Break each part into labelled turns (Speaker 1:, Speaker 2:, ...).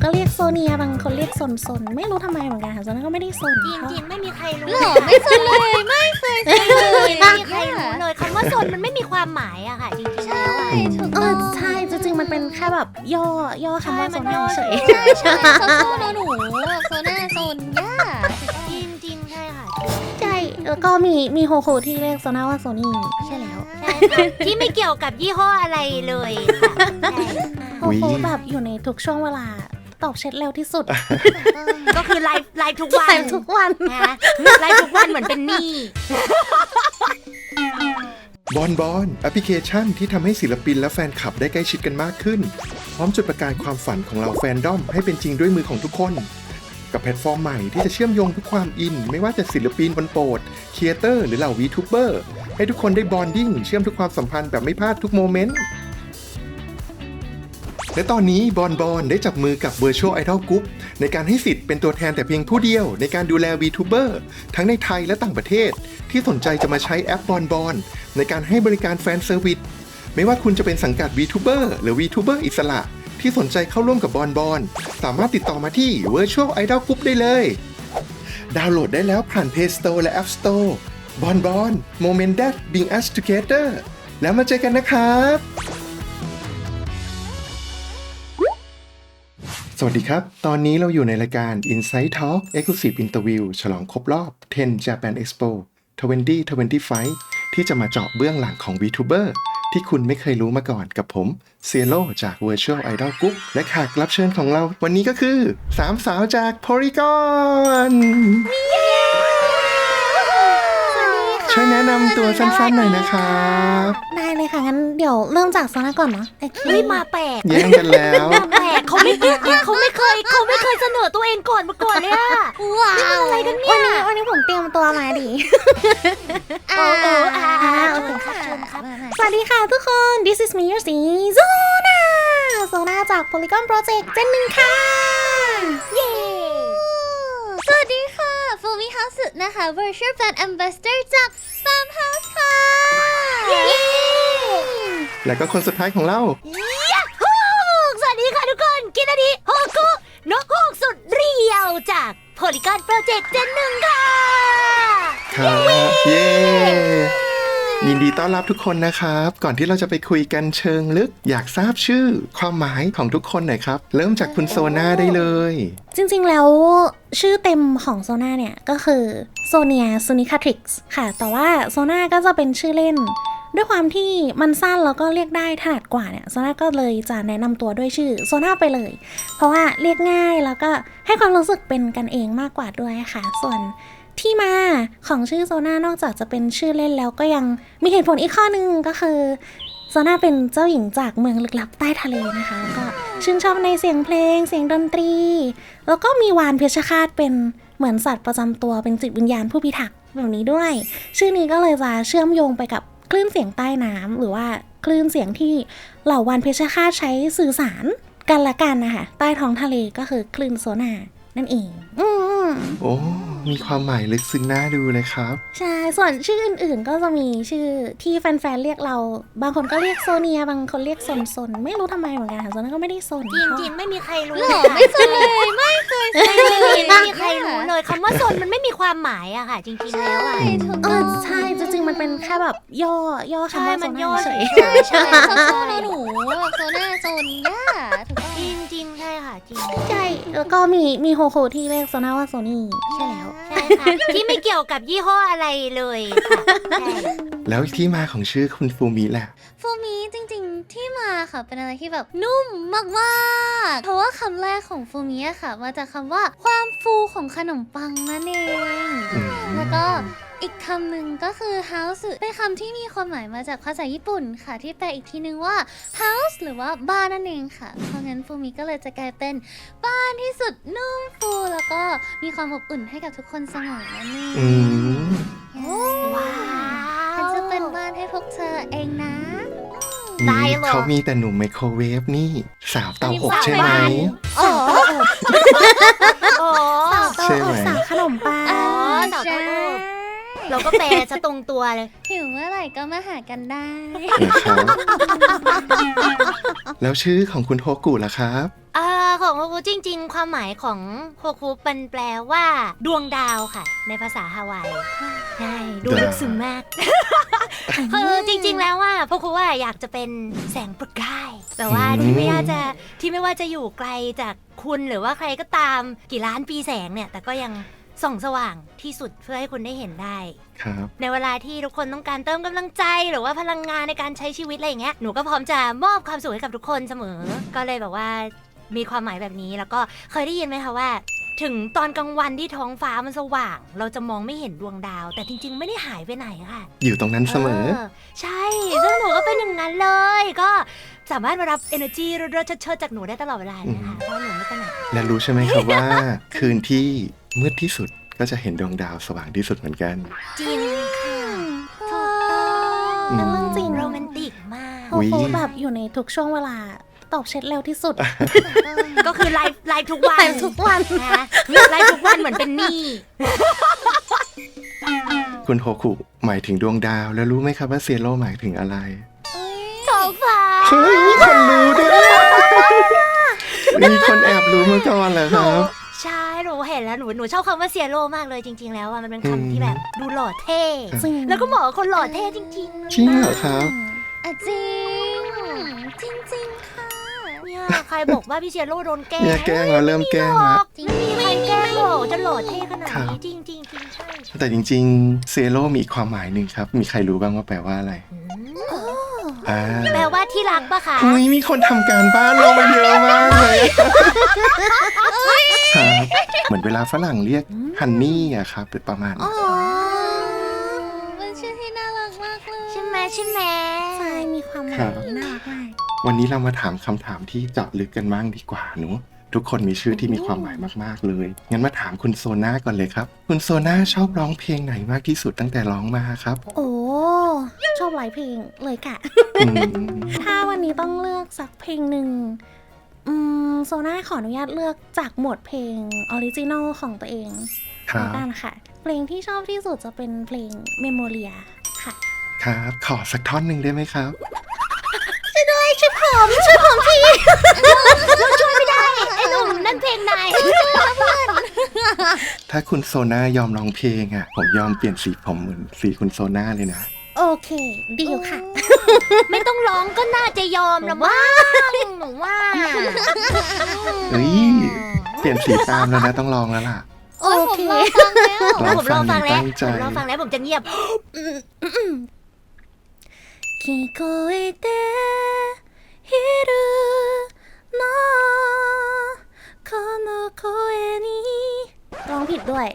Speaker 1: ก็เรียกโซเนียบางคนเรียกซนไม่รู้ทำไมเหมือนกันค่ะโซน่าก็ไม่ได้ซน
Speaker 2: จริงๆไม่มีใครรู้
Speaker 3: หรอไม่สนเลยไม่เคยสนเลย
Speaker 2: ไม่มีใครรู้เลยคำว่าซนมันไม่มีความหมายอะค่ะจริงๆแล้วอะ
Speaker 3: ถูกต้อง
Speaker 1: ใช่จริงๆมันเป็นแค่แบบย่อคำว่าโซน่าเฉย
Speaker 3: ใช่โซนหนูโซน่าโซนย่า
Speaker 2: จริงๆใช่ค่ะ
Speaker 1: ใช่แล้วก็มีโฮโคที่เรียกโซน่าว่าโซนี่ใช่แล้ว
Speaker 2: ใช่ค่ะที่ไม่เกี่ยวกับยี่ห้ออะไรเลยค่ะใช่
Speaker 1: โฮโคแบบอยู่ในทุกช่วงเวลาตอบเช็ดเร็วที่สุด
Speaker 2: ก็คือไลฟ์ทุกวัน
Speaker 1: ใส่ทุกวัน
Speaker 2: นะไลฟ์ทุกวันเหมือนเป็นหนี้
Speaker 4: บอนแอปพลิเคชันที่ทำให้ศิลปินและแฟนคลับได้ใกล้ชิดกันมากขึ้น พร้อมจุดประกายความฝันของเราแฟนดอมให้เป็นจริงด้วยมือของทุกคน กับแพลตฟอร์มใหม่ที่จะเชื่อมโยงทุกความอิน ไม่ว่าจะศิลปินคนโปรดครีเอเตอร์หรือเหล่าวีทูเบอร์ให้ทุกคนได้บอนดิ้งเชื่อมทุกความสัมพันธ์แบบไม่พลาดทุกโมเมนต์ และตอนนี้บอนได้จับมือกับ Virtual Idol Group ในการให้สิทธิ์เป็นตัวแทนแต่เพียงผู้เดียวในการดูแล VTuber ทั้งในไทยและต่างประเทศที่สนใจจะมาใช้แอปบอนในการให้บริการแฟนเซอร์วิสไม่ว่าคุณจะเป็นสังกัด VTuber หรือ VTuber อิสระที่สนใจเข้าร่วมกับบอนสามารถติดต่อมาที่ Virtual Idol Group ได้เลย ดาวน์โหลดได้แล้วผ่าน Play Store และ App Store บอน Moment That Bring Us Together แล้วมาเจอกันนะครับ สวัสดีครับ ตอนนี้เราอยู่ในรายการ Inside Talk Exclusive Interview ฉลองครบรอบ 10 Japan Expo 2025 ที่จะมาเจาะเบื้องหลังของ VTuber ที่คุณไม่เคยรู้มาก่อนกับผมเซียโลจาก Virtual Idol Group และแขกรับเชิญของเราวันนี้ก็คือ 3 สาวจาก Polygon ช่วยแนะนำตัวสั้นๆหน่อยนะครับ
Speaker 1: ได้เลยค่ะงั้นเดี๋ยวเริ่มจากโซน่าก่อนเนาะโอเค
Speaker 2: เฮ้ยมาแปลก
Speaker 4: แย่งกันแล้ว
Speaker 2: มาแปลกเขาไม่เคยเสนอตัวเองก่อนมาก่อนเลยอะ
Speaker 3: ว้าว
Speaker 2: อะไรกันเนี่ย
Speaker 1: วันนี้ผมเตรียมตัวมาดี
Speaker 2: โอ้เชิญครับเชิญครับ
Speaker 1: สวัสดีค่ะทุกคน This is me your C โซน่าจาก Polygon Project เจนหนึ่งค่ะ
Speaker 2: เย้
Speaker 3: สวัสดีค่ะฟูมิฮาสึนะคะ Virtual Brand Ambassador จาก Farm House ค่ะ
Speaker 4: และก็คนสุดท้ายของเรา
Speaker 2: สวัสดีค่ะทุกคนกินนาดีโฮกุนกฮูกสุดเรียวจาก Polygon Project เจนหนึ่งค่ะ
Speaker 4: ครับเย้ยินดีต้อนรับทุกคนนะครับ ก่อนที่เราจะไปคุยกันเชิงลึก อยากทราบชื่อความหมายของทุกคนหน่อยครับ เริ่มจากคุณโซน่าได้เลย
Speaker 1: จริงๆแล้วชื่อเต็มของโซน่าเนี่ยก็คือโซเนียซูนิคาทริกส์ค่ะแต่ว่าโซน่าก็จะเป็นชื่อเล่น ด้วยความที่มันสั้นแล้วก็เรียกได้ถนัดกว่าเนี่ยโซน่าก็เลยจะแนะนำตัวด้วยชื่อโซน่าไปเลย เพราะว่าเรียกง่ายแล้วก็ให้ความรู้สึกเป็นกันเองมากกว่าด้วยค่ะส่วนที่มาของชื่อโซน่านอกจากจะเป็นชื่อเล่นแล้วก็ยังมีเหตุผลอีกข้อนึงก็คือโซน่าเป็นเจ้าหญิงจากเมืองลึกลับใต้ทะเลนะคะแล้วก็ชื่นชอบในเสียงเพลงเสียงดนตรีแล้วก็มีวานเพชฌฆาตเป็นเหมือนสัตว์ประจำตัวเป็นจิตวิญญาณผู้พิทักษ์แบบนี้ด้วยชื่อนี้ก็เลยจะเชื่อมโยงไปกับคลื่นเสียงใต้น้ำหรือว่าคลื่นเสียงที่เหล่าวานเพชฌฆาตใช้สื่อสารกันละกันนะคะใต้ท้องทะเลก็คือคลื่นโซน่านั่นเอง
Speaker 4: โอ้มีความหมายลึกซึ้งน่าดูเลยครับ
Speaker 1: ใช่ส่วนชื่ออื่นๆก็จะมีชื่อที่แฟนๆเรียกเราบางคนก็เรียกโซเนียบางคนเรียกซนไม่รู้ทำไมเหมือนกันค่ะโซน่าก็ไม่ได้ซน
Speaker 2: จริงๆไม่มีใครรู้
Speaker 3: หรอไม่สนเลยไม่เคยสนเลย
Speaker 2: ไม่มีใครรู้เลยคำว่าซนมันไม่มีความหมายอะค่ะจริงๆแล้วอะ
Speaker 3: ถูกต้อง
Speaker 1: ใช่จริงๆมันเป็นแค่แบบย่อคำว่าโซ
Speaker 2: มันย่
Speaker 1: น่า
Speaker 2: อ
Speaker 1: เฉย
Speaker 2: ใช่
Speaker 3: โซนหนูโซน่าโซนย่าถูกต้อง
Speaker 2: จริงๆใช่ค่ะจริง
Speaker 1: ใช่แล้วก็มีโฮโคที่เรียกโซน่าว่าโซนี่ใช่แล้ว
Speaker 2: ใช่ค่ะที่ไม่เกี่ยวกับยี่ห้ออะไรเลยค่ะใช่
Speaker 4: แล้วที่มาของชื่อคุณฟูมิแหละ
Speaker 3: ฟูมิจริงๆที่มาค่ะเป็นอะไรที่แบบนุ่มมากๆเพราะว่าคำแรกของฟูมิอะค่ะมาจากคำว่าความฟูของขนมปังนั่นเอง แล้วก็อีกคำหนึ่งก็คือ house เป็นคำที่มีความหมายมาจากภาษาญี่ปุ่นค่ะที่แปลอีกทีนึงว่า house หรือว่าบ้านนั่นเองค่ะเพราะงั้นฟูมิก็เลยจะกลายเป็นบ้านที่สุดนุ่มฟูแล้วก็มีความอบอุ่นให้กับทุกคนเสมอนั่นเอง
Speaker 4: อืม
Speaker 2: ว้า
Speaker 3: ฉัน
Speaker 2: ว
Speaker 3: จะเป็นบ้านให้พวกเธอเองนะ
Speaker 2: ได้เหรอ
Speaker 4: เขามีแต่หนุ่มไมโครเวฟนี่ สาวเตาอบใช่ไหม
Speaker 2: โอ้โอ้
Speaker 1: เต้า
Speaker 4: ใช่ไหม
Speaker 1: อบสาวขนมปัง
Speaker 2: สาวเต้าอบ เราก็แปลซะตรงตัวเลย
Speaker 3: หิวเมื่อไหร่ก็มาหากันได้
Speaker 4: นะครับ แล้วชื่อของคุณโฮกุล่ะครับ
Speaker 2: ของของโฮคุจริงๆความหมายของโฮคุมันแปลว่าดวงดาวค่ะในภาษาฮาวายใช่ดูลึกซึ้งมากคือจริงๆแล้วว่าโฮคุว่าอยากจะเป็นแสงประกายแต่ว่าที่ไม่ว่าจะอยู่ไกลจากคุณหรือว่าใครก็ตามกี่ล้านปีแสงเนี่ยแต่ก็ยังส่องสว่างที่สุดเพื่อให้คุณได้เห็นได้
Speaker 4: ครับ
Speaker 2: ในเวลาที่ทุกคนต้องการเติมกำลังใจหรือว่าพลังงานในการใช้ชีวิตอะไรอย่างเงี้ยหนูก็พร้อมจะมอบความสุขให้กับทุกคนเสมอก็เลยแบบว่ามีความหมายแบบนี้แล้วก็เคยได้ยินไหมคะว่าถึงตอนกลางวันที่ท้องฟ้ามันสว่างเราจะมองไม่เห็นดวงดาวแต่จริงๆไม่ได้หายไปไหนค่ะ
Speaker 4: อยู่ตรงนั้นเสมอ
Speaker 2: ใช่ซึ่งหนูก็เป็นอย่างนั้นเลยก็สามารถมารับ energy เรื่อยๆเชิดๆจากหนูได้ตลอดเวลาเลยค่ะเพราะหนูไม่ไปไหน
Speaker 4: และรู้ใช่ไหมครับว่า คืนที่มืดที่สุดก็จะเห็นดวงดาวสว่างที่สุดเหมือนกัน
Speaker 2: จริงค่ะ
Speaker 1: เป็นเรื่องจริง
Speaker 2: โรแมนติกมาก
Speaker 1: โฮคุแบบอยู่ในทุกช่วงเวลาตอบเช็ดเร็วที่สุด
Speaker 2: ก็คือไลฟ์ทุกวัน
Speaker 1: ทุกวัน
Speaker 2: นะไลฟ์ทุกวันเหมือนเป็นหนี้
Speaker 4: คุณโฮคุหมายถึงดวงดาวแล้วรู้ไหมครับว่าเซโร่หมายถึงอะไร
Speaker 2: ท้องฟ้า
Speaker 4: เฮ้ยมีคนรู้ด้วยมีคนแอบรู้มาก่อนเหรอครับ
Speaker 2: ใช่หนูเห็นแล้วหนูชอบคำว่าเซียโร่มากเลยจริงๆแล้วมันเป็นคำที่แบบดูหล่อเท่แล้วก็เหมาะกับคนหล่อเท่จริงๆ
Speaker 4: จริงเหรอครับ
Speaker 3: จริงค่ะ
Speaker 2: เนี่ยใครบอกว่าพี่เซียโร่โดนแกล้ง
Speaker 4: เนี่ยแกล้งแล้วเริ่มแกล้งแล้ว
Speaker 2: ไม่มีใครแกล้งหรอกจะหล่อเท่ขนาดนี้จริงๆใช่
Speaker 4: แต่จริงๆเซโร่มีความหมายหนึ่งครับมีใครรู้บ้างว่าแปลว่าอะไร
Speaker 2: แปลว่าที่รักปะคะ
Speaker 4: มีคนทำการบ้านลงมาเยอะมากเลยครับเหมือนเวลาฝรั่งเรียกฮันนี่อะครับเป็นประมาณ
Speaker 3: มันชื่อที่น่ารักมากเลย
Speaker 2: ใช่ไหม
Speaker 1: ใช่มีความหมายน่ารักมาก
Speaker 4: วันนี้เรามาถามคำถามที่เจาะลึกกันบ้างดีกว่าหนูทุกคนมีชื่อที่มีความหมายมากๆเลยงั้นมาถามคุณโซน่าก่อนเลยครับคุณโซน่าชอบร้องเพลงไหนมากที่สุดตั้งแต่ร้องมาครับ
Speaker 1: โอ้ชอบหลายเพลงเลยค่ะถ้าวันนี้ต้องเลือกสักเพลงหนึ่งโซน่าขออนุญาตเลือกจากหมวดเพลงออริจินอลของตัวเองแล้วกันค่ะเพลงที่ชอบที่สุดจะเป็นเพลง Memoria ค่ะ
Speaker 4: ครับขอสักท่อนหนึ่งได้ไหมครับ
Speaker 2: ช่วยผมทีเราช่วยไม่ได้ไอ้หนุ่มนั่นเพลงไหน
Speaker 4: ถ้าคุณโซน่ายอมร้องเพลงอ่ะผมยอมเปลี่ยนสีผมเหมือนสีคุณโซน่าเลยนะ
Speaker 1: โอเคดีลค่ะ
Speaker 2: ไม่ต้องร้องก็น่าจะยอมแล้วว่าหนูว่า
Speaker 4: เปลี่ยนสีตามแล้วนะต้องลองแล้วล่ะ
Speaker 3: โอเค
Speaker 2: ผมลองฟังแล้วผมจะเงียบ
Speaker 1: 聞こえているのこの声にร้องผิดด้วย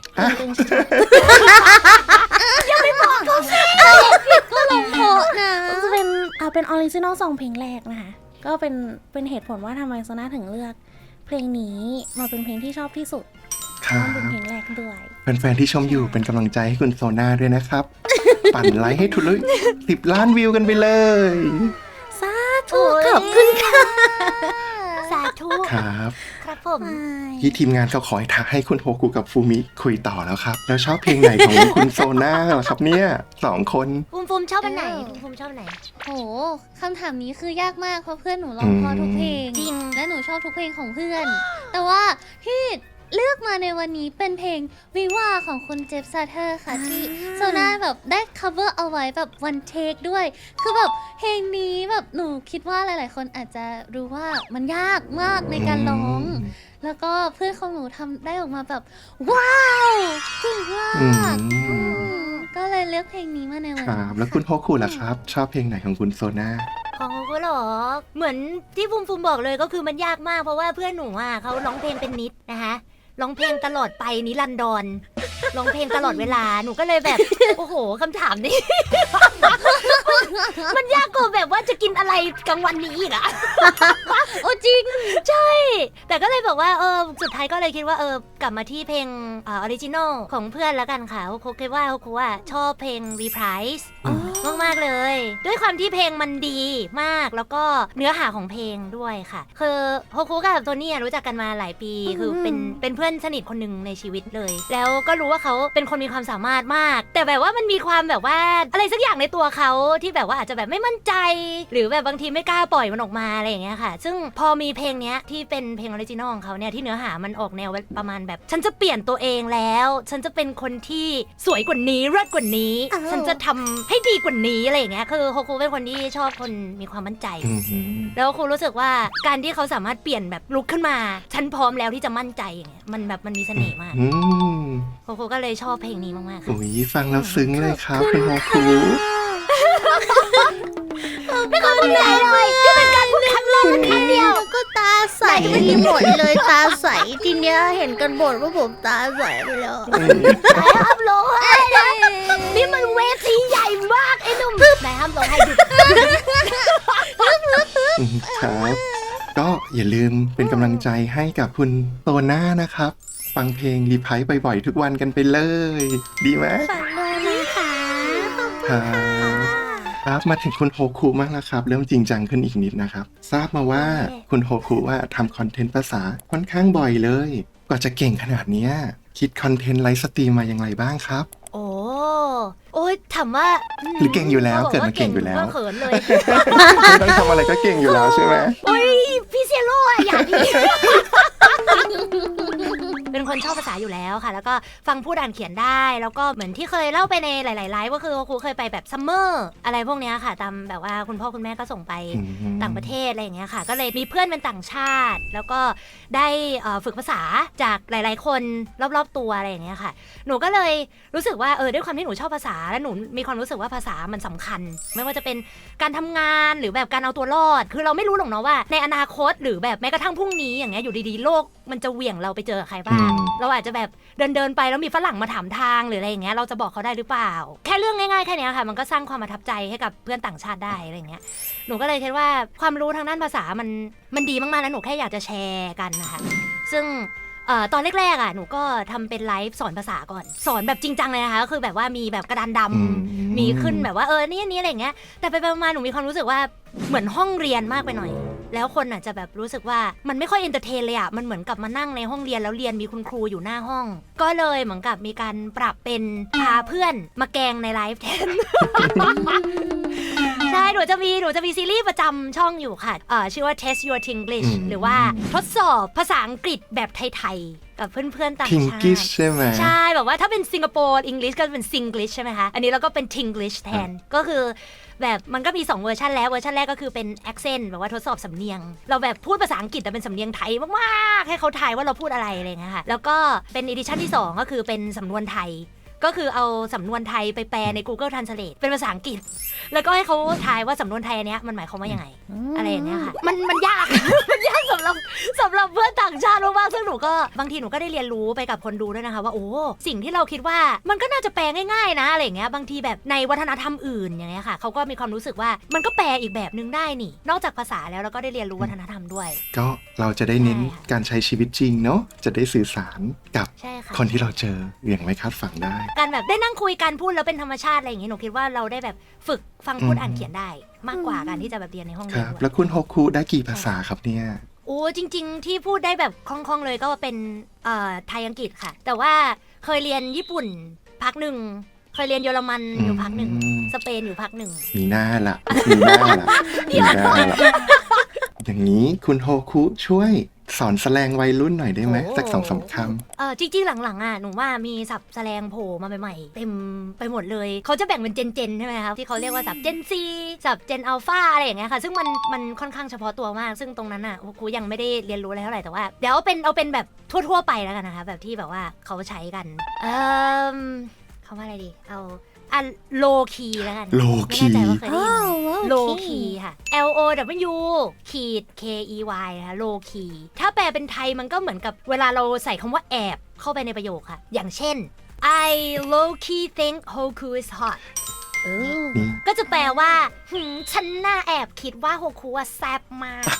Speaker 2: อย่าไปบอกเขาสิ
Speaker 3: ผิดก็ร้องเพราะนะ
Speaker 1: จะเป็นออริจินอล2เพลงแรกนะคะก็เป็นเหตุผลว่าทำไมโซน่าถึงเลือกเพลงนี้มาเป็นเพลงที่ชอบที่สุดเป็นเพลงแรกด้วย
Speaker 4: แฟนๆที่ชมอยู่เป็นกำลังใจให้คุณโซน่าด้วยนะครับปั่นไลค์ให้ทุลุย10 ล้านวิวกันไปเลย
Speaker 1: สาธุขอบคุณค่ะ
Speaker 2: สาธุ
Speaker 4: ครับ
Speaker 2: ผม
Speaker 4: ที่ทีมงานเขาขอให้คุณโฮคุกับฟูมิคุยต่อแล้วครับแล้วชอบเพลงไหนของคุณโซน่าเหรอครับเนี่ย2 คน
Speaker 2: ฟูมชอบอันไหนฟูมชอบอันไหน
Speaker 3: โหคำถามนี้คือยากมากเพราะเพื่อนหนูร้องเพราะทุกเพลง
Speaker 2: จริง
Speaker 3: และหนูชอบทุกเพลงของเพื่อนแต่ว่าที่เลือกมาในวันนี้เป็นเพลงวิวาของคุณเจฟซาเทอร์ค่ะที่โซน่าแบบได้ cover เอาไว้แบบ one take ด้วยคือแบบเพลงนี้แบบหนูคิดว่าหลายๆคนอาจจะรู้ว่ามันยากมากในการร้องแล้วก็เพื่อนของหนูทำได้ออกมาแบบว้าวเก่งมากก็เลยเลือกเพลงนี้มาในวันนี้
Speaker 4: แล้วคุณโฮคุล่ะครับชอบเพลงไหนของคุณโซน่า
Speaker 2: ของโฮคุหรอเหมือนที่ฟูมบอกเลยก็คือมันยากมากเพราะว่าเพื่อนหนูเขาร้องเพลงเป็นนิดนะคะร้องเพลงตลอดไปนิรันดรร้องเพลงตลอดเวลาหนูก็เลยแบบโอ้โหคำถามนี้มันยากกว่าแบบว่าจะกินอะไรกลางวันนี้อีกอะโอ้จริงใช่แต่ก็เลยบอกว่าสุดท้ายก็เลยคิดว่ากลับมาที่เพลงออริจินอลของเพื่อนแล้วกันค่ะโฮคุคิดว่าโฮคุชอบเพลง Reprise มากๆเลยด้วยความที่เพลงมันดีมากแล้วก็เนื้อหาของเพลงด้วยค่ะคือโฮคุกับโทนี่รู้จักกันมาหลายปีคือเป็นเพื่อนสนิทคนหนึ่งในชีวิตเลยแล้วก็รู้ว่าเขาเป็นคนมีความสามารถมากแต่แบบว่ามันมีความแบบว่าอะไรสักอย่างในตัวเขาที่แบบแบบว่าอาจจะแบบไม่มั่นใจหรือแบบบางทีไม่กล้าปล่อยมันออกมาอะไรอย่างเงี้ยค่ะซึ่งพอมีเพลงเนี้ยที่เป็นเพลงออริจินอลของเขาเนี่ยที่เนื้อหามันออกแนวประมาณแบบฉันจะเปลี่ยนตัวเองแล้วฉันจะเป็นคนที่สวยกว่านี้เลิศกว่านี้ฉันจะทำให้ดีกว่านี้อะไรอย่างเงี้ยคือโฮคุเป็นคนที่ชอบคนมีความมั่นใจแล้วครูรู้สึกว่าการที่เขาสามารถเปลี่ยนแบบลุกขึ้นมาฉันพร้อมแล้วที่จะมั่นใจอย่างเงี้ยมันแบบมันมีเสน่ห์มากโฮคุก็เลยชอบเพลงนี้มากๆค่ะ
Speaker 4: โอ้ยฟังแล้วซึ้งเลยครับคุณโฮคุ
Speaker 2: ไม่เคยพูดเลยที่เป็นการพูดครั้งแรกและครั้งเดียว
Speaker 3: ก็ตาใสหมดเลยตาใสทีเนี้ยเห็นกันบ่นว่าผมตาใสไปแล้ว
Speaker 2: ห้ามร้องไห้นี่มันเวทีใหญ่มากไอ้หนุ่มไหนห้ามร้องไห้หยุด
Speaker 4: ครับก็อย่าลืมเป็นกำลังใจให้กับคุณโตน่านะครับ ฟังเพลงรีไพร์บ่อยๆทุกวันกันไปเลย ดีไหม
Speaker 3: ฝันเลยนะคะ
Speaker 4: ครับมาถึงคุณโฮคุมากแล้วครับ เริ่มจริงจังขึ้นอีกนิดนะครับ ทราบมาว่าคุณโฮคุว่าทำคอนเทนต์ภาษาค่อนข้างบ่อยเลยกว่าจะเก่งขนาดเนี้ยคิดคอนเทนต์ไลฟ์สตรีมมาอย่างไรบ้างครับ
Speaker 2: โอ้ยถามว่า
Speaker 4: หรือเก่งอยู่แล้วเกิดมาเก่งอยู่แล้ว
Speaker 2: ก็เขินเลย
Speaker 4: ไม่ต้องทำอะไรก็เก่งอยู่แล้วใช่ไหม
Speaker 2: โอ้ยพี่เซโร่อะอย่าดี เป็นคนชอบภาษาอยู่แล้วค่ะ แล้วก็ฟังพูดอ่านเขียนได้แล้วก็เหมือนที่เคยเล่าไปในหลายๆไลฟ์ก็คือครูเคยไปแบบซัมเมอร์อะไรพวกเนี้ยค่ะตามแบบว่าคุณพ่อคุณแม่ก็ส่งไปต่างประเทศอะไรอย่างเงี้ยค่ะก็เลยมีเพื่อนเป็นต่างชาติ แล้วก็ได้ฝึกภาษาจากหลายๆคนรอบๆตัวอะไรอย่างเงี้ยค่ะหนูก็เลยรู้สึกว่าด้วยความที่หนูชอบภาษาและหนูมีความรู้สึกว่าภาษามันสำคัญ ไม่ว่าจะเป็นการทำงานหรือแบบการเอาตัวรอดคือเราไม่รู้หรอกเนาะว่าในอนาคตหรือแบบแม้กระทั่งพรุ่งนี้อย่างเงี้ยอยู่ดีๆโลกมันจะเหวี่ยงเราไปเจอใครบ้างเราอาจจะแบบเดินไปแล้วมีฝรั่งมาถามทางหรืออะไรอย่างเงี้ยเราจะบอกเขาได้หรือเปล่าแค่เรื่องง่ายๆแค่นี้ค่ะมันก็สร้างความประทับใจให้กับเพื่อนต่างชาติได้อะไรอย่างเงี้ยหนูก็เลยคิดว่าความรู้ทางด้านภาษามันดีมากๆแล้วหนูแค่อยากจะแชร์กันนะคะซึ่งตอนแรกๆหนูก็ทำเป็นไลฟ์สอนภาษาก่อนสอนแบบจริงจังเลยนะคะก็คือแบบว่ามีแบบกระดานดำมีขึ้นแบบว่านี่อะไรอย่างเงี้ยแต่ไปมาหนูมีความรู้สึกว่าเหมือนห้องเรียนมากไปหน่อยแล้วคนอาจจะแบบรู้สึกว่ามันไม่ค่อยเอนเตอร์เทนเลยมันเหมือนกับมานั่งในห้องเรียนแล้วเรียนมีคุณครูอยู่หน้าห้องก็เลยเหมือนกับมีการปรับเป็นพาเพื่อนมาแกงในไลฟ์แทน ใช่หนูจะมีซีรีส์ประจำช่องอยู่ค่ะชื่อว่า Test Your Tinglish หรือว่าทดสอบภาษาอังกฤษแบบไทยๆกับเพื่อนๆต่างชาติ
Speaker 4: Tinglish ใช่ไหม
Speaker 2: ใช่แบบว่าถ้าเป็นสิงคโปร์อังกฤษก็เป็น Singlish ใช่ไหมคะอันนี้เราก็เป็น Tinglish แทนก็คือแบบมันก็มี2เวอร์ชันแล้วเวอร์ชันแรกก็คือเป็น accent แบบว่าทดสอบสำเนียงเราแบบพูดภาษาอังกฤษแต่เป็นสำเนียงไทยมากๆให้เขาทายว่าเราพูดอะไรอะไรเงี้ยค่ะแล้วก็เป็นอีดิชั่นที่2ก็คือเป็นสำนวนไทยก็คือเอาสำนวนไทยไปแปลใน Google Translate เป็นภาษาอังกฤษแล้วก็ให้เขาทายว่าสำนวนไทยอันเนี้ยมันหมายความว่ายังไงอะไรอย่างเงี้ยค่ะมันยาก มันยากสำหรับเพื่อนต่างชาติมากๆซึ่งหนูก็บางทีหนูก็ได้เรียนรู้ไปกับคนดูด้วยนะคะว่าโอ้สิ่งที่เราคิดว่ามันก็น่าจะแปลง่ายๆนะอะไรอย่างเงี้ยบางทีแบบในวัฒนธรรมอื่นอย่างเงี้ยค่ะเขาก็มีความรู้สึกว่ามันก็แปลอีกแบบนึงได้นี่นอกจากภาษาแล้วเราก็ได้เรียนรู้วัฒนธรรมด้วย
Speaker 4: ก็เราจะได้เน้นการใช้ชีวิตจริงเนาะจะได้สื่อสารกับคนที่เราเจออย่างไม่คาดฝันได้
Speaker 2: การแบบได้นั่งคุยกันพูดแล้วเป็นธรรมชาติอะไรอย่างเงี้ยหนูคิดว่าเราได้แบบฝึกฟังพูดอ่านเขียนได้มากกว่าการที่จะแบบเรียนในห้องเรียน
Speaker 4: แล้วคุณโฮคุได้กี่ภาษาครับเนี่ย
Speaker 2: โอ้จริงๆที่พูดได้แบบคล่องๆเลยก็เป็นไทยอังกฤษค่ะแต่ว่าเคยเรียนญี่ปุ่นพักหนึ่งเคยเรียนเยอรมันอยู่พักหนึ่งสเปนอยู่พักหนึ่ง
Speaker 4: มีหน้าละอย่างนี้คุณโฮคุช่วยสอนแสลงวัยรุ่นหน่อยได้ไหมสัก2-3 คำ
Speaker 2: จริงๆหลังๆหนูว่ามีศัพท์แสลงโผล่มาใหม่ๆเต็มไปหมดเลยเขาจะแบ่งเป็นเจนใช่ไหมคะที่เขาเรียกว่าศัพท์เจนซีศัพท์เจนอัลฟาอะไรอย่างเงี้ยค่ะซึ่งมันค่อนข้างเฉพาะตัวมากซึ่งตรงนั้นครูยังไม่ได้เรียนรู้อะไรเท่าไหร่แต่ว่าเดี๋ยวเอาเป็นแบบทั่วๆไปแล้วกันนะคะแบบที่แบบว่าเขาใช้กันคำว่าอะไรดีเอาโลคีแล้วกัน
Speaker 4: โลคี
Speaker 2: ไม่แน่ใจว่าเคยได้ยินโลคีค่ะ LOW ขีด KEY นะคะโลคีถ้าแปลเป็นไทยมันก็เหมือนกับเวลาเราใส่คำว่าแอบเข้าไปในประโยคค่ะอย่างเช่น I low key think Hoku is hot ก็จะแปลว่าฉันน่าแอบคิดว่าโฮคุแซ่บมาก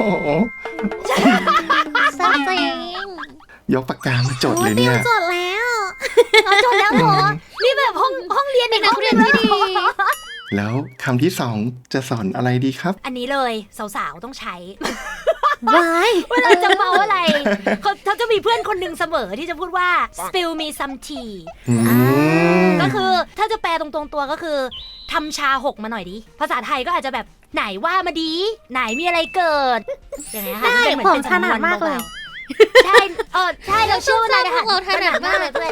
Speaker 3: แซ่บจริง
Speaker 4: ยกปากกามาจดเลยเนี่ย
Speaker 3: จดแล้ว
Speaker 2: จดแล้วเหรอนี่แบบห้องเรียนในนักเรียนที่ดี
Speaker 4: แล้วคำที่2จะสอนอะไรดีครับ
Speaker 2: อันนี้เลยสาวๆต้องใช้
Speaker 1: ว้าย
Speaker 2: เวลาจะเมาอะไรเขาจะมีเพื่อนคนหนึ่งเสมอที่จะพูดว่า spill me some tea ก็คือถ้าจะแปลตรงๆตัวก็คือทำชาหกมาหน่อยดิภาษาไทยก็อาจจะแบบไหนว่ามาดีไหนมีอะไรเกิดอย่างเงี้ยค่ะ
Speaker 1: ได้
Speaker 2: เป็นเหมือน
Speaker 1: ผม
Speaker 2: เป็น
Speaker 1: ถนัดมากเลย
Speaker 2: ใช่ใช่เราเชื่อว่านายทหาร
Speaker 3: เราถนัดมาก
Speaker 2: เลยเพื่อน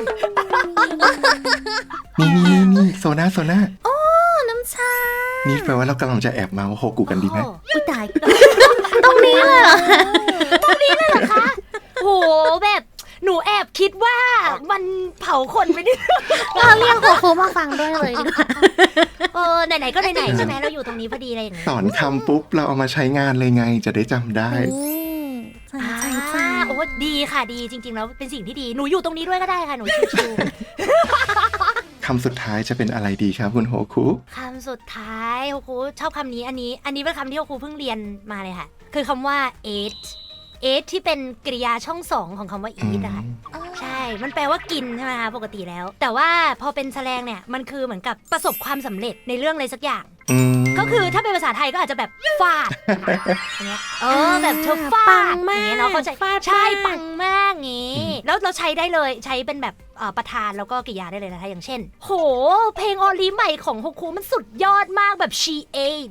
Speaker 4: นี่โซน่า
Speaker 1: น้ำชา
Speaker 4: นี่แปลว่าเรากำลังจะแอบเมาโฮกุกันดีไหม
Speaker 1: อุ้ยตาย ตรงนี้เลยเหรอ
Speaker 2: คะโหแบบหนูแอบคิดว่ามันเผาคนไปนิด
Speaker 1: เราเรียกโคคูมาฟังด้วยเลยดีกว่า
Speaker 2: ไหนๆก็ไหนๆใช่ไหมเราอยู่ตรงนี้พอดีอะไรอย่างเงี้ย
Speaker 4: สอนคำปุ๊บเราเอามาใช้งานเลยไงจะได้จำได้
Speaker 1: ใช่
Speaker 2: โอ้ดีค่ะดีจริงๆแล้วเป็นสิ่งที่ดีหนูอยู่ตรงนี้ด้วยก็ได้ค่ะหนูชิว
Speaker 4: คำสุดท้ายจะเป็นอะไรดีครับคุณโฮคุ
Speaker 2: ๆคำสุดท้ายโฮคุชอบคำนี้อันนี้เป็นคำที่โฮคุเพิ่งเรียนมาเลยค่ะคือคำว่า eat ที่เป็นกริยาช่องสองของคำว่า eat อะค่ะใช่มันแปลว่ากินใช่ไหมคะปกติแล้ว แต่ว่าพอเป็นแสลงเนี่ยมันคือเหมือนกับประสบความสำเร็จในเรื่องอะไรสักอย่างก็คือถ้าเป็นภาษาไทยก็อาจจะแบบฟาดอย่างเงี้ยแบบเธอฟาดอย่างเงี้ยเนาะเขาใช่ปังมากงี้แล้วเราใช้ได้เลยใช้เป็นแบบประธานแล้วก็กริยาได้เลยนะคะอย่างเช่นโหเพลงออลีใหม่ของโฮคุมันสุดยอดมากแบบ she ate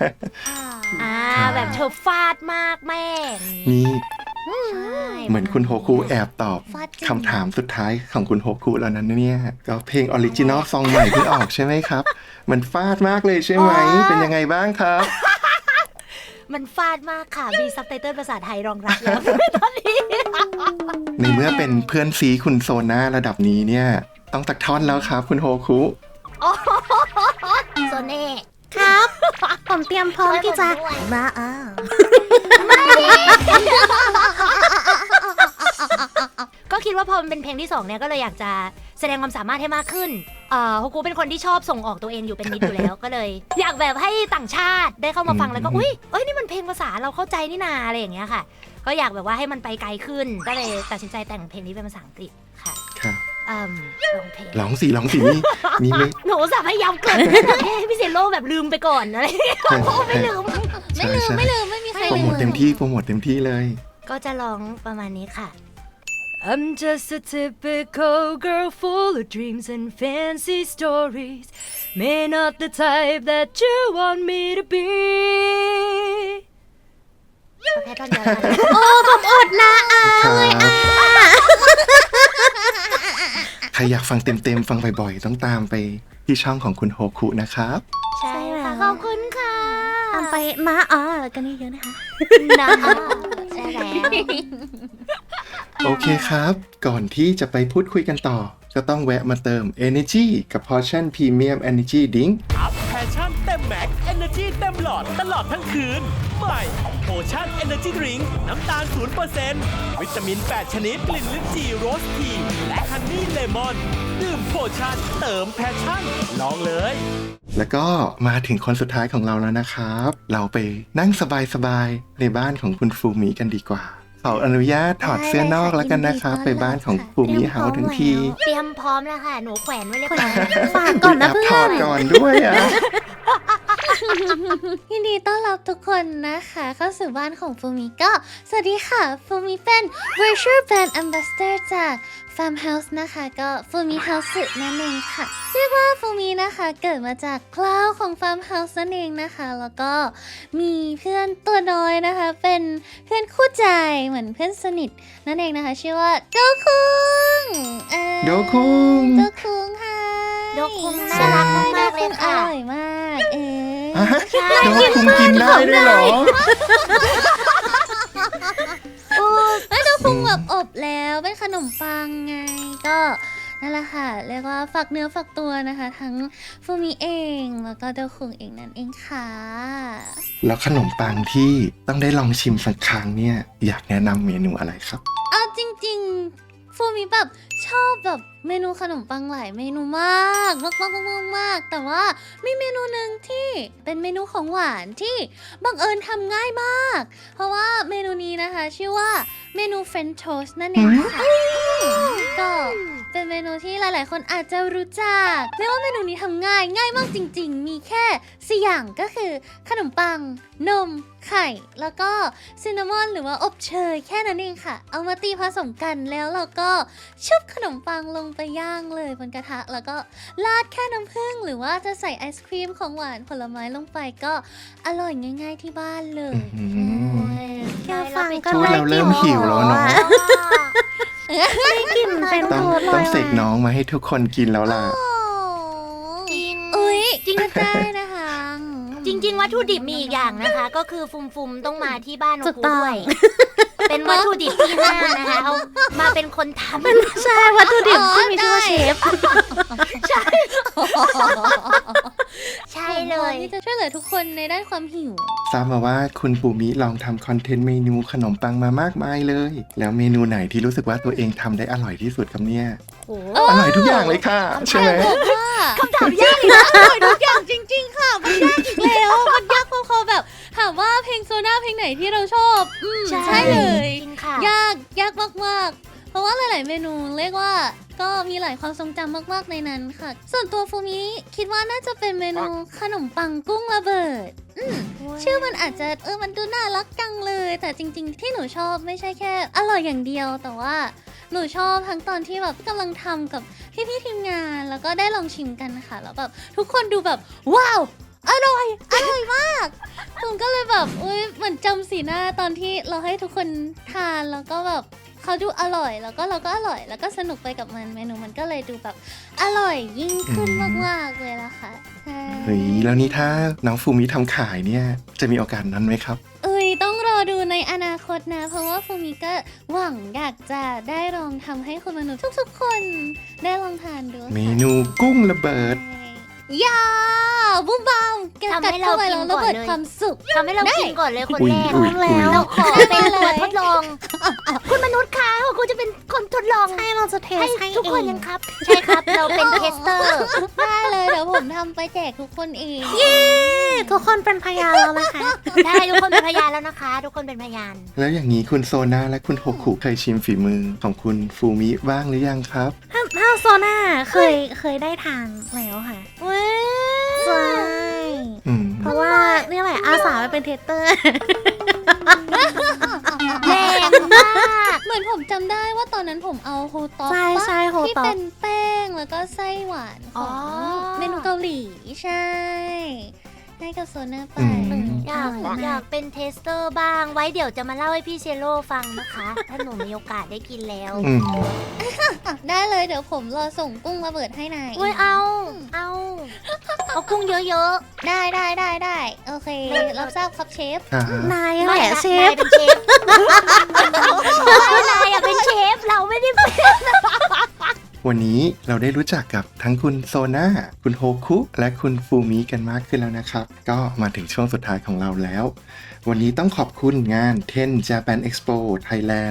Speaker 2: แบบเธอฟาดมากแม่
Speaker 4: นี่
Speaker 2: ใช่
Speaker 4: เหมือนคุณโฮคุแอบตอบ
Speaker 3: ฟาดจริง
Speaker 4: คำถามสุดท้ายของคุณโฮคุแล้วนั้นเนี่ยก็เพลงออริจินอลซองใหม่เพิ่งออกใช่ไหมครับ มันฟาดมากเลยใช่ไหมเป็นยังไงบ้างครับ
Speaker 2: มันฟาดมากค่ะมีซับไตเติลภาษาไทยรองรับแล้วตอนนี้
Speaker 4: ในเมื่อเป็นเพื่อนซีคุณโซน่าระดับนี้เนี่ยต้องตักท่อนแล้วครับคุณโฮคุ
Speaker 2: โซเน่
Speaker 1: ครับ ผมเตรียมพร้อมที่จะมา
Speaker 2: ก็คิดว่าพอมันเป็นเพลงที่2เนี่ยก็เลยอยากจะแสดงความสามารถให้มากขึ้นโฮคุเป็นคนที่ชอบส่งออกตัวเองอยู่เป็นนิดอยู่แล้ว ก็เลย อยากแบบให้ต่างชาติได้เข้ามาฟังแล้วก็อุ้ยนี่มันเพลงภาษาเราเข้าใจนี่นาอะไรอย่างเงี้ยค่ะก็อยากแบบว่าให้มันไปไกลขึ้นก็เลยตัดสินใจแต่งเพลงนี้เป็นภาษาอังกฤษค่ะ
Speaker 4: ครับ
Speaker 2: ร้องเพลง
Speaker 4: ร้องสินี่ไม่
Speaker 2: หนูอุตส่าห์พยายามเกิดให้พี่เซโร่แบบลืมไปก่อนอะไรไม่ลืม
Speaker 4: ใช่
Speaker 3: ไม่มีใคร
Speaker 4: โปร
Speaker 3: ลื
Speaker 4: โม
Speaker 3: ม
Speaker 4: ทเต็มที่เลย
Speaker 2: ก็จะร้องประมาณนี้ค่ะ I'm just a typical girl full of dreams and fancy stories. May not the type that you want me to be. แค่ตอนเดียวกัน
Speaker 1: ผมอดนะเลย
Speaker 4: ใครอยากฟังเต็มๆฟังบ่อยๆต้องตามไปที่ช่องของคุณโฮคุนะครับ
Speaker 2: ใช่ค่ะขอบคุณค่ะ
Speaker 1: ทำไปมากันเยอะๆนะคะ
Speaker 2: นะใช่แล้ว
Speaker 4: โอเคครับ ก่อนที่จะไปพูดคุยกันต่อ ก็ต้องแวะมาเติม Energy กับ Portion Premium Energy Drink
Speaker 5: อัพแพชชั่นเต็มแม็ก Energy เต็มหลอดตลอดทั้งคืน ใหม่โพชั่น Energy Drink น้ำตาล 0% วิตามิน 8 ชนิด กลิ่นลิ้นจี่โรสทีและฮันนี่เลมอน ดื่มโพชั่นเติมแพชชั่น ลองเลย
Speaker 4: แล้วก็มาถึงคนสุดท้ายของเราแล้วนะครับ เราไปนั่งสบายๆในบ้านของคุณฟูมิกันดีกว่า ขออนุญาตถอดเสื้อนอกแล้วกันนะครับ ไปบ้านของฟูมิเฮาทั้งที
Speaker 2: เตรียมพร้อมแล้วค่ะ หนูแขวนไว้เรียบร้อย
Speaker 1: ฝากก่อนนะเพื่
Speaker 4: ถ
Speaker 1: อ
Speaker 4: อด
Speaker 1: น
Speaker 4: ก่อนด้วยอ่ะ
Speaker 3: ยินดีต้อนรับทุกคนนะคะเข้าสู่บ้านของฟูมิก็สวัสดีค่ะฟูมิเป็น Virtual Brand Ambassador จาก Farmhouse นะคะก็ฟูมิ House นั่นเองค่ะเรียกว่าฟูมินะคะเกิดมาจากคลาวของ Farmhouse นั่นเองนะคะแล้วก็มีเพื่อนตัวน้อยนะคะเป็นเพื่อนคู่ใจเหมือนเพื่อนสนิทนั่นเองนะคะชื่อว่าโดคุง
Speaker 4: โดคุง
Speaker 3: โดคุงค่ะ
Speaker 2: โดคุงน่ารักมากๆเลยค่ะ
Speaker 3: อร่อยมาก
Speaker 4: ฮะโดคุงกินได้ด้วยเหรอ
Speaker 3: แล้วเราพุงแบบอบแล้วเป็นขนมปังไงก็นั่นแหละค่ะเรียกว่าฝากเนื้อฝากตัวนะคะ ทั้งฟูมิเองแล้วก็เดลคุงเองนั่นเองค่ะ
Speaker 4: แล้วขนมปังที่ต้องได้ลองชิมสักครั้งเนี่ยอยากแนะนำเมนูอะไรครับ
Speaker 3: เอาจริงๆฟูมิแบบชอบแบบเมนูขนมปังหลายเมนูมากแต่ว่ามีเมนูหนึ่งที่เป็นเมนูของหวานที่บังเอิญทำง่ายมากเพราะว่าเมนูนี้นะคะชื่อว่าเมนูเฟรนช์โทสต์นั่นเองค่ะก็เป็นเมนูที่หลายๆ คนอาจจะรู้จักเรียกว่าเมนูนี้ทำง่ายมากจริงๆ มีแค่4อย่างก็คือขนมปังนมไข่แล้วก็ซินนามอนหรือว่าอบเชยแค่นั้นเองค่ะเอามาตีผสมกันแล้วเราก็ชุบขนมปังลงไปย่างเลยบนกระทะแล้วก็ราดแค่น้ำผึ้งหรือว่าจะใส่ไอศครีมของหวานผลไม้ลงไปก็อร่อยง่ายๆที่บ้านเลย
Speaker 1: แค่ฟังก็
Speaker 4: พูดแล้วเริ่มหิวแล้วเนาะ
Speaker 1: ได้กลิ่นเป็น
Speaker 4: ต้อง
Speaker 1: โทษเล
Speaker 4: ต้อง
Speaker 1: ย
Speaker 4: เสกน้องมาให้ทุกคนกินแล้วล่ะ
Speaker 2: จริง
Speaker 3: อุ้ยจริงได้นะคะ
Speaker 2: จริง ๆ วัตถุดิบมีอีกอย่างนะคะ ก็คือฟุมๆต้องมาที่บ้าน
Speaker 1: ถู
Speaker 2: โอก คุ
Speaker 1: ต้อง
Speaker 2: ด้วย เป็นวัตถุดิบที่ห้านะคะเอามาเป็นคนทำ
Speaker 1: ใช่วัตถุดิบที่มีชื่อว่าเชฟ
Speaker 2: ใช่เลย
Speaker 3: ที่จะช่วยเหลือทุกคนในด้านความหิว
Speaker 4: ทราบมาว่าคุณปูมิลองทำคอนเทนต์เมนูขนมปังมามากมายเลย แล้วเมนูไหนที่รู้สึกว่าตัวเองทำได้อร่อยที่สุดครับเนี่ย
Speaker 2: โอ้
Speaker 4: อร่อยทุกอย่างเลยค่ะ ใช่ไหม
Speaker 3: คำถามยากนะอร่อยทุกอย่างจริง ๆ ค่ะ มันยากอีกแล้วมันยากพอๆแบบถามว่าเพลงโซน่าเพลงไหนที่เราชอบใช่เลย
Speaker 2: จริงค่ะ
Speaker 3: ยากมากๆ เพราะว่าหลาย ๆ เมนูเรียกว่าก็มีหลายความทรงจำมาก ๆ ในนั้นค่ะ ส่วนตัวฟูมิคิดว่าน่าจะเป็นเมนูขนมปังกุ้งระเบิด ชื่อมันอาจจะมันดูน่ารักจังเลย แต่จริง ๆ ที่หนูชอบไม่ใช่แค่อร่อยอย่างเดียว แต่ว่าหนูชอบทั้งตอนที่แบบกำลังทำกับพี่ๆทีมงาน แล้วก็ได้ลองชิมกันค่ะ แล้วแบบทุกคนดูแบบว้าวอร่อยมากผมก็เลยแบบเหมือนจำสีหน้าตอนที่เราให้ทุกคนทานแล้วก็แบบเขาดูอร่อยแล้วก็เราก็อร่อยแล้วก็สนุกไปกับมันเมนูมันก็เลยดูแบบอร่อยยิ่งขึ้นมากๆเลยล่ะค่ะใช่
Speaker 4: เฮ้ยแล้วนี่ถ้าน้องฟูมิทำขายเนี่ยจะมีโอกาสนั้นไหมครับ
Speaker 3: ต้องรอดูในอนาคตนะ เพราะว่าฟูมิก็หวังอยากจะได้ลองทำให้คุณมนุษย์ทุกๆคนได้ลองทานดูค่ะ
Speaker 4: เมนูกุ้งระเบิด
Speaker 3: ยาบุ้มบามแกะ
Speaker 2: ทำ
Speaker 3: กัด
Speaker 2: ให้เรา
Speaker 3: เข้าไป
Speaker 2: กิ
Speaker 3: แล้ว
Speaker 2: น
Speaker 3: ระ
Speaker 2: ก่อน
Speaker 3: เบิด
Speaker 2: เลย
Speaker 3: ความสุข
Speaker 2: ทำให้เรากินก่อนเลยคน
Speaker 4: อุ๊ย
Speaker 2: แรก
Speaker 4: อุ๊ย
Speaker 1: แล้ว
Speaker 2: เราขอเป็นตัวทดลอง คุณมนุษย์คะคุณจะเป็นคนทดลอง
Speaker 1: ใช่เราจะเทส
Speaker 2: ให้
Speaker 1: ให้
Speaker 2: ทุกคน
Speaker 1: เอ
Speaker 2: ยัง งครับ ใช่ครับ เราเป็นเทสเตอร์
Speaker 3: ได้เลยเดี๋ยวผมทำไปแจกทุกคนเอง
Speaker 1: ทุกคนเป็นพยานแล้วนะคะ
Speaker 2: ได้ทุกคนเป็นพยานแล้วนะคะ ทุกคนเป็นพยาน
Speaker 4: แล้วอย่างนี้คุณโซนาและคุณโฮคุเคยชิมฝีมือของคุณฟูมิบ้างหรือยังครับ
Speaker 1: ถ้าโซน่าเคยได้ทานแล้วค่ะใช่
Speaker 4: อืม
Speaker 1: เพราะว่านี่แหละอาสาไปเป็นเทสเตอร์
Speaker 2: แรงมาก
Speaker 3: เหมือนผมจำได้ว่าตอนนั้นผมเอาโฮต็อก
Speaker 1: ใช่โฮ
Speaker 3: ที่
Speaker 1: ต็อก
Speaker 3: เป็นแป้งแล้วก็ไส้หวานของเมนูเกาหลีใช่ให้กับโซน่าไป
Speaker 2: อยากเป็นเทสเตอร์บ้าง ไว้เดี๋ยวจะมาเล่าให้พี่เชโร่ฟังนะคะ ถ้าหนูมีโอกาสได้กินแล้ว
Speaker 4: อืม
Speaker 3: ได้เลยเดี๋ยวผมรอส่งกุ้งระเบิดให้นาย
Speaker 2: เว้ยเอากุ้งเยอะ
Speaker 3: ได้โอเค รับทราบครับเชฟ
Speaker 4: อ่า
Speaker 1: นาย
Speaker 2: ๆ
Speaker 1: แหละเชฟ
Speaker 2: นายเป็นเชฟนายอะเป็นเชฟ เราไม่ได้เป็น
Speaker 4: วันนี้เราได้รู้จักกับทั้งคุณโซนาคุณโฮคุและคุณฟูมิกันมากขึ้นแล้วนะครับ ก็มาถึงช่วงสุดท้ายของเราแล้ว วันนี้ต้องขอบคุณงาน 10 Japan Expo Thailand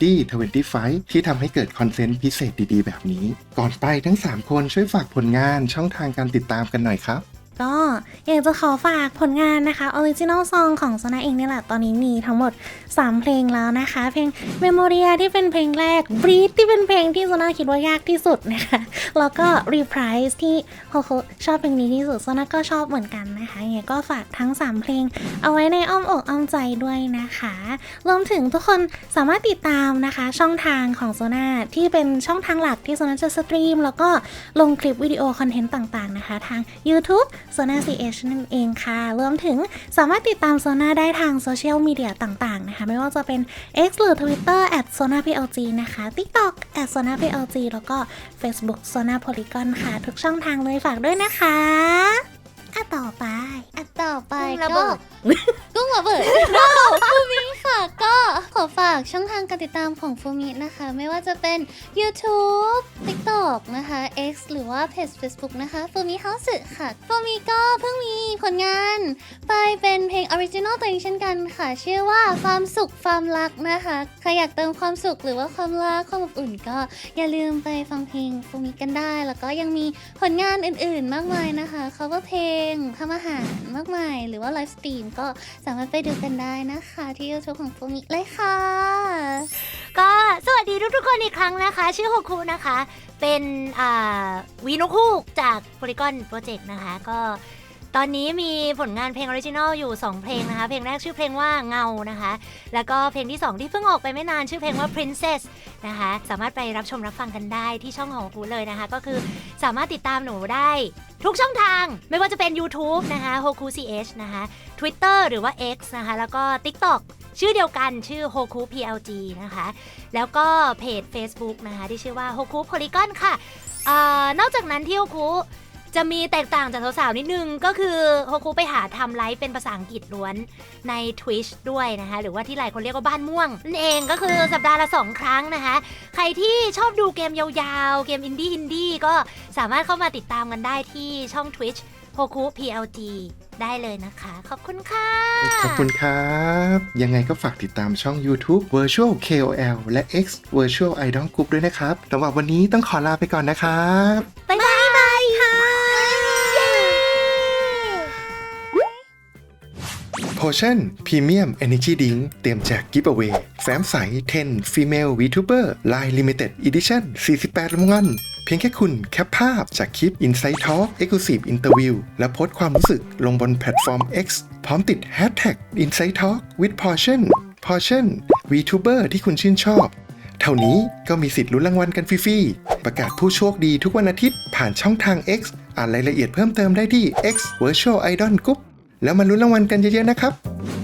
Speaker 4: 2025 ที่ทำให้เกิดคอนเทนต์พิเศษดีๆ แบบนี้ ก่อนไปทั้ง 3 คนช่วยฝากผลงานช่องทางการติดตามกันหน่อยครับ
Speaker 1: ก็อยากจะขอฝากผลงานนะคะ Original Song ของโซนาเองนี่แหละ ตอนนี้มีทั้งหมด 3 เพลงแล้วนะคะ เพลง Memoria ที่เป็นเพลงแรก Breathe ที่เป็นเพลงที่โซนาคิดว่ายากที่สุดนะคะ แล้วก็ Reprise ที่โฮโคชอบเพลงนี้ที่สุดโซนาก็ชอบเหมือนกันนะคะยังไงก็ฝากทั้ง 3 เพลงเอาไว้ในอ้อมอกอ้อมใจด้วยนะคะ รวมถึงทุกคนสามารถติดตามนะคะช่องทางของโซนาที่เป็นช่องทางหลักที่โซนาจะสตรีมแล้วก็ลงคลิปวิดีโอคอนเทนต์ต่างๆนะคะทาง YouTube Sona CH นั่นเองค่ะ รวมถึงสามารถติดตาม Sona ได้ทางโซเชียลมีเดียต่างๆนะคะไม่ว่าจะเป็น X หรือ Twitter @SonaPLG นะคะ TikTok @SonaPLG แล้วก็ Facebook Sona Polygon ค่ะ ทุกช่องทางเลยฝากด้วยนะคะต่อไป
Speaker 3: ต่อไป
Speaker 2: กุ้งระเบิ
Speaker 3: ก็
Speaker 2: ด
Speaker 3: กุ้งระเบิด ฟูมิค่ะ ก็ขอฝากช่องทางการติดตามของฟูมินะคะ ไม่ว่าจะเป็น YouTube TikTok นะคะ X หรือว่าเพจ Facebook นะคะฟูมิเฮาส์ค่ะฟูมิก็เพิ่งมีผลงานไปเป็นเพลง Original ตัวเองเช่นกันค่ะ ชื่อว่าความสุขความรักนะคะใครอยากเติมความสุขหรือว่าความรักความอบอุ่นก็อย่าลืมไปฟังเพลงฟูมิกันได้ แล้วก็ยังมีผลงานอื่นๆมากมายนะคะ cover เพลงทำอาหารมากมายหรือว่าไลฟ์สตรีมก็สามารถไปดูกันได้นะคะที่ YouTube ของฟูมิเลยค่ะ
Speaker 2: ก็สวัสดีทุกๆคนอีกครั้งนะคะ ชื่อโฮคุนะคะ เป็นวีนกฮูกจาก Polygon Project นะคะก็ตอนนี้มีผลงานเพลงออริจินอลอยู่ 2 เพลงนะคะเพลงแรกชื่อเพลงว่าเงานะคะแล้วก็เพลงที่ 2 ที่เพิ่งออกไปไม่นานชื่อเพลงว่า Princess นะคะสามารถไปรับชมรับฟังกันได้ที่ช่องของกูเลยนะคะก็คือสามารถติดตามหนูได้ทุกช่องทางไม่ว่าจะเป็น YouTube นะคะ Hoku CH นะคะ Twitter หรือว่า X นะคะแล้วก็ TikTok ชื่อเดียวกันชื่อ Hoku PLG นะคะแล้วก็เพจ Facebook นะคะที่ชื่อว่า Hoku Polygon ค่ะนอกจากนั้นที่ Hokuจะมีแตกต่างจากสาวๆนิดนึงก็คือโฮคุไปหาทำไลฟ์เป็นภาษาอังกฤษล้วนใน Twitch ด้วยนะคะหรือว่าที่หลายคนเรียกว่าบ้านม่วงนั่นเองก็คือสัปดาห์ละ2 ครั้งนะคะใครที่ชอบดูเกมยาวๆเกมอินดี้ก็สามารถเข้ามาติดตามกันได้ที่ช่อง Twitch โฮคุ PLG ได้เลยนะคะขอบคุณค่ะ
Speaker 4: ขอบคุณครับ ยังไงก็ฝากติดตามช่อง YouTube Virtual KOL และ X Virtual Idol Group ด้วยนะครับสำหรับวันนี้ต้องขอลาไปก่อนนะครับ
Speaker 2: บ๊ายบายค่ะ
Speaker 4: Potion Premium Energy Drink เตรียมแจก Giveaway แฟ้มใส 10 Female VTuber Line Limited Edition 48 รางวัลเพียงแค่คุณแคปภาพจากคลิป Inside Talk Exclusive Interview และโพสต์ความรู้สึกลงบนแพลตฟอร์ม X พร้อมติด Hashtag Inside Talk with Potion VTuber ที่คุณชื่นชอบเท่านี้ก็มีสิทธิ์ลุ้นรางวัลกันฟรีๆประกาศผู้โชคดีทุกวันอาทิตย์ผ่านช่องทาง X อ่านรายละเอียดเพิ่มเติมได้ที่ X Virtual Idol Group แล้วมาลุ้นรางวัลกันเยอะๆนะครับ